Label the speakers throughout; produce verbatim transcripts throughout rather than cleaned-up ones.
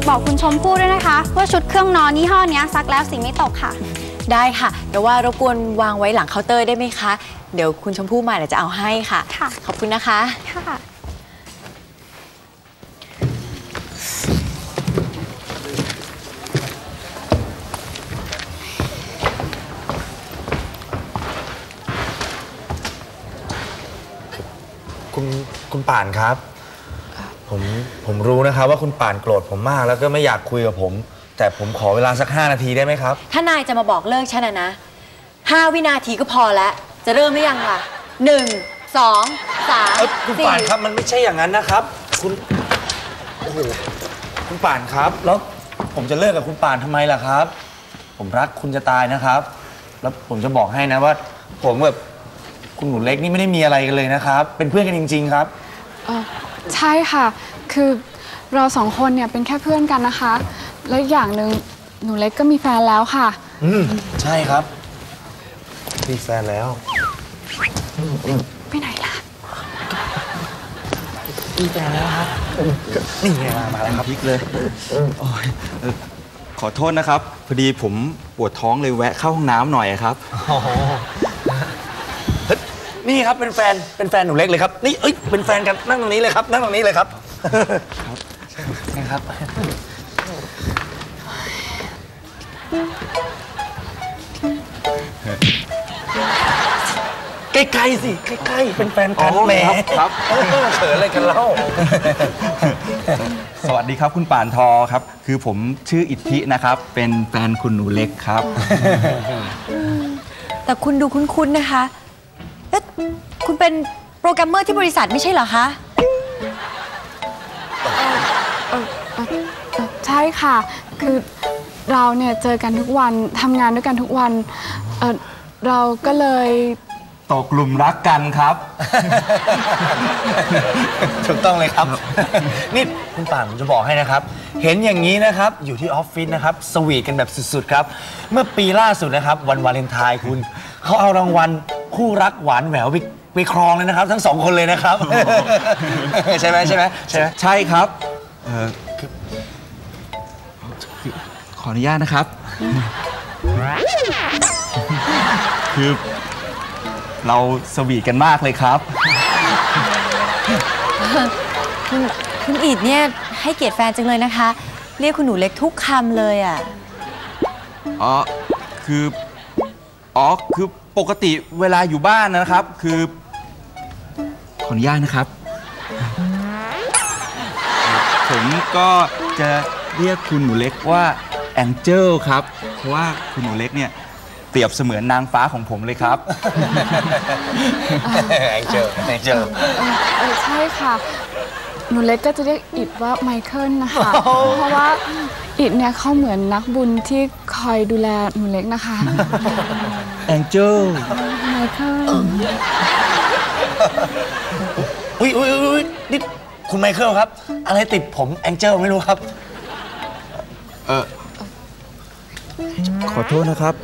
Speaker 1: ากบอกคุณชมพู่ด้วยนะคะว่าชุดเครื่องนอนยี่ห้อนี้ซักแล้วสีไม่ตกค่ะ
Speaker 2: ได้ค่ะแต่ว่ารบกวนวางไว้หลังเคาน์เตอร์ได้ไหมคะเดี๋ยวคุณชมพู่มาเดี๋ยวจะเอาให้ค่ะ
Speaker 1: ค่ะ
Speaker 2: ขอบคุณนะคะ
Speaker 1: ค่ะ
Speaker 3: คุณคุณป่านครับผมผมรู้นะครับว่าคุณป่านโกรธผมมากแล้วก็ไม่อยากคุยกับผมแต่ผมขอเวลาสักห้านาทีได้ไหมครับ
Speaker 2: ถ้านายจะมาบอกเลิกฉันนะนะห้าวินาทีก็พอแล้วจะเริ่มหรือยังล่ะหนึ่งสองสาม
Speaker 3: คุณป่านครับมันไม่ใช่อย่างนั้นนะครับคุณโอ้โหคุณป่านครับแล้วผมจะเลิกกับคุณป่านทำไมล่ะครับผมรักคุณจะตายนะครับแล้วผมจะบอกให้นะว่าผมแบบคุณหนูเล็กนี่ไม่ได้มีอะไรกันเลยนะครับเป็นเพื่อนกันจริงๆครับ
Speaker 4: เออใช่ค่ะคือเราสองคนเนี่ยเป็นแค่เพื่อนกันนะคะแล้วอย่างหนึ่งหนูเล็กก็มีแฟนแล้วค่ะ
Speaker 3: อืมใช่ครับมีแฟนแล้ว
Speaker 4: ไปไหนล่ะ
Speaker 3: มีแฟนแล้วครับนี่ไงมาแล้วครับพลิกเลย
Speaker 5: ขอโทษนะครับพอดีผมปวดท้องเลยแวะเข้าห้องน้ำหน่อยครับ
Speaker 3: นี่ครับเป็นแฟนเป็นแฟนหนูเล็กเลยครับนี่เอ้ยเป็นแฟนกันนั่งตรงนี้เลยครับนั่งตรงนี้เลยครับครับนี่ครับใกล้ๆสิใกล้ๆเป็นแฟนกันแหม
Speaker 5: ครับ
Speaker 3: เขินอะไรกันเล่า
Speaker 5: สวัสดีครับคุณป่านทอครับคือผมชื่ออิทธินะครับเป็นแฟนคุณหนูเล็กครับ
Speaker 2: แต่คุณดูคุ้นๆนะคะเอ๊ะคุณเป็นโปรแกรมเมอร์ที่บริษัทไม่ใช่เหรอคะ
Speaker 4: ใช่ค่ะคือเราเนี่ยเจอกันทุกวันทำงานด้วยกันทุกวันเออเราก็เลย
Speaker 5: ตกหลุมรักกันครับ
Speaker 3: ถูกต้องเลยครับนี่คุณป่านผมจะบอกให้นะครับเห็นอย่างนี้นะครับอยู่ที่ออฟฟิศนะครับสวีทกันแบบสุดๆครับเมื่อปีล่าสุดนะครับวันวาเลนไทน์คุณเขาเอารางวัลคู่รักหวานแหววไปไปครองเลยนะครับทั้งสองคนเลยนะครับใช่ไหมใช่ไหมใช่ไหม
Speaker 5: ใช่ครับเออขออนุญาตนะครับคือเราสวีทกันมากเลยครับ
Speaker 2: คุณคุณอีดเนี่ยให้เกียรติแฟนจังเลยนะคะเรียกคุณหนูเล็กทุกคำเลยอ่ะ
Speaker 5: อ๋อคืออ๋อคือปกติเวลาอยู่บ้านนะครับคือขออนุญาตนะครับผมก็จะเรียกคุณหนูเล็กว่าแองเจิลครับเพราะว่าคุณหนูเล็กเนี่ยเปรียบเสมือนนางฟ้าของผมเลยครับ
Speaker 3: แองเจิลแองเจิล
Speaker 4: เออใช่ค่ะหนูเล็กก็จะเรียกอิดว่าไมเคิลนะคะเพราะว่าอิดเนี่ยเขาเหมือนนักบุญที่คอยดูแลหนูเล็กนะคะ
Speaker 5: แองเจิล
Speaker 4: ไมเคิล
Speaker 3: อุ้ยอุ้ยอุ้ยนี่คุณไมเคิลครับอะไรติดผมแองเจิลไม่รู้ครับ
Speaker 5: เออขอโทษนะครับ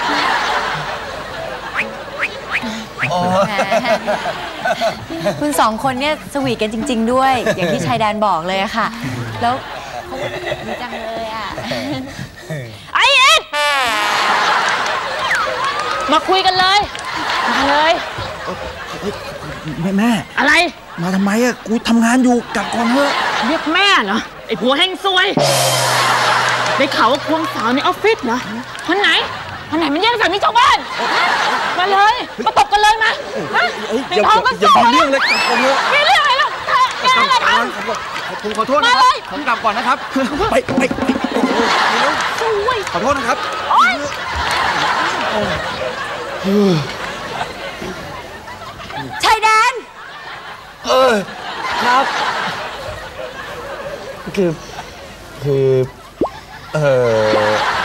Speaker 2: คุณสองคนเนี่ยสวีทกันจริงๆด้วยอย่างที่ชายแดนบอกเลยอะค่ะแล้วเขาดีจังเลยอะ
Speaker 6: ไอ้เอ็ดมาคุยกันเลยมาเลย
Speaker 5: แม่แม่
Speaker 6: อะไร
Speaker 5: มาทำไมอะกูทำงานอยู่กลับก่อนเถอะ
Speaker 6: เรียกแม่เหรอไอ้ผัวแห่งซวยได้ข่าวว่าควงสาวในออฟฟิศเหรอคนไหนคนไหนมันแย่งสามีชาวบ้านมาเลยมาตบกันเลยมา
Speaker 5: อย่าอย่ามีเรื่องเลยกลับก่อนเถอะ
Speaker 6: มีเรื่องอะไรหรอแกอะไรท
Speaker 5: ำผมขอโทษนะครับผมกลับก่อนนะครับไปไปขอโทษนะครับ
Speaker 2: ชายแดน
Speaker 3: เออครับคือคือเออ